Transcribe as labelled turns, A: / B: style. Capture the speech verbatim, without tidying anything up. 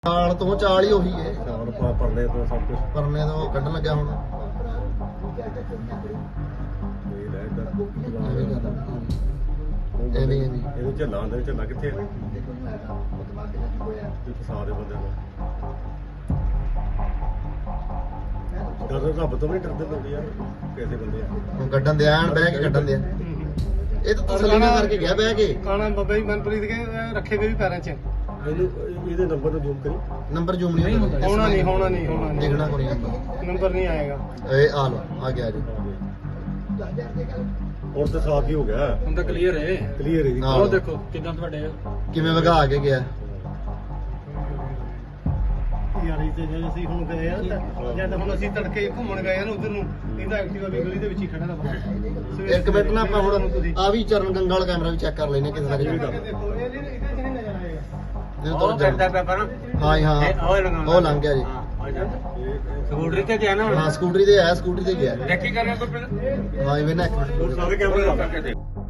A: ਚਾਲ ਤੋਂ ਚਾਲ ਹੀ ਉਹੀ ਹੈ।
B: ਚਾਲ ਪਾ ਪਰਲੇ ਤੋਂ ਸਭ ਕੁਝ
A: ਪਰਨੇ ਤੋਂ ਕੱਢਣ ਲੱਗਿਆ ਹੁਣ।
B: ਇਹ ਲੈ ਇੱਧਰ
A: ਇਹ ਵੀ ਗੱਲ ਆ। ਇਹ ਨਹੀਂ ਇਹ ਨਹੀਂ
B: ਇਹਨੂੰ ਝੱਲਾਂ ਦੇ ਝੱਲਾਂ ਕਿੱਥੇ ਆ ਇਹ ਫਸਾ ਦੇ ਬੰਦੇ ਨੂੰ ਡਰ ਰੱਬ ਤੋਂ ਵੀ ਡਰਦੇ ਲੋਕ ਯਾਰ ਕਿਸੇ ਬੰਦੇ
A: ਹੁਣ ਕੱਢਣ ਦੇ ਆਣ ਬਹਿ ਕੇ ਕੱਢਣ ਦੇ ਆ। ਇਹ ਤਾਂ ਤਸੱਲੀ ਨਾਲ ਕਰਕੇ ਗਿਆ ਬਹਿ ਕੇ।
C: ਕਾਣਾ ਬਾਬਾ ਜੀ ਮਨਪ੍ਰੀਤ ਕੇ ਰੱਖੇ ਵੇ ਵੀ ਪੈਰਾਂ 'ਚ
B: ਇਹਨੂੰ ਇਹਦੇ ਨੰਬਰ ਨੂੰ ਜ਼ੂਮ ਕਰੀ
A: ਨੰਬਰ ਜ਼ੂਮ ਨਹੀਂ ਹੁੰਦਾ।
C: ਹੋਣਾ ਨਹੀਂ ਹੋਣਾ ਨਹੀਂ ਹੋਣਾ ਨਹੀਂ
A: ਦੇਖਣਾ ਕੋਈ ਨੰਬਰ
C: ਨੰਬਰ ਨਹੀਂ ਆਏਗਾ।
A: ਇਹ ਆ ਲੋ ਆ ਗਿਆ ਜੀ।
B: ਹੁਣ ਤਾਂ ਸਾਫ ਹੀ ਹੋ ਗਿਆ
D: ਹੁਣ ਤਾਂ ਕਲੀਅਰ ਹੈ।
B: ਕਲੀਅਰ ਹੈ ਜੀ
A: ਹਾਂ।
D: ਉਹ ਦੇਖੋ ਕਿਦਾਂ ਤੁਹਾਡੇ
A: ਕਿਵੇਂ ਵਗਾ ਕੇ ਗਿਆ।
C: ਯਾਰ ਇਹ ਤੇ ਜੇ ਅਸੀਂ ਹੁਣ ਗਏ ਆ ਤਾਂ ਜਦ ਹੁਣ ਅਸੀਂ ਤੜਕੇ ਘੁੰਮਣ ਗਏ ਆ ਨਾ ਉਧਰ ਨੂੰ ਇਹਦਾ ਐਕਟਿਵਾ ਵੀ ਗਲੀ ਦੇ ਵਿੱਚ ਹੀ ਖੜਾ ਦਾ ਬਾਹਰ।
A: ਇੱਕ ਮਿੰਟ ਨਾ ਆਪਾਂ ਹੁਣ ਆ ਵੀ ਚਰਨ ਗੰਗਾ ਵਾਲਾ ਕੈਮਰਾ ਵੀ ਚੈੱਕ ਕਰ ਲੈਨੇ ਕਿਸੇ ਦਾ
C: ਦੇਖੋ ਇਹ ਇਹਦੇ 'ਚ ਨਹੀਂ ਨਜ਼ਰ ਆਏਗਾ।
A: ਇਹ
D: ਉਹ ਕਰਦਾ ਪੇਪਰ
A: ਹਾਂ ਜੀ, ਹਾਂ
D: ਉਹ ਲੰਘਾਉਣਾ।
A: ਉਹ ਲੰਘ ਗਿਆ ਜੀ।
D: ਸਕੂਟਰੀ ਤੇ ਗਿਆ ਨਾ
A: ਹਾਂ ਸਕੂਟਰੀ ਤੇ ਆਇਆ ਸਕੂਟਰੀ ਤੇ ਗਿਆ।
D: ਦੇਖੀ ਕਰਨਾ ਕੋਈ
A: ਹਾਂ ਇਹ ਨਾ ਇੱਕ ਮਿੰਟ
B: ਸਾਰੇ ਕੈਮਰੇ ਲਾ ਕੇ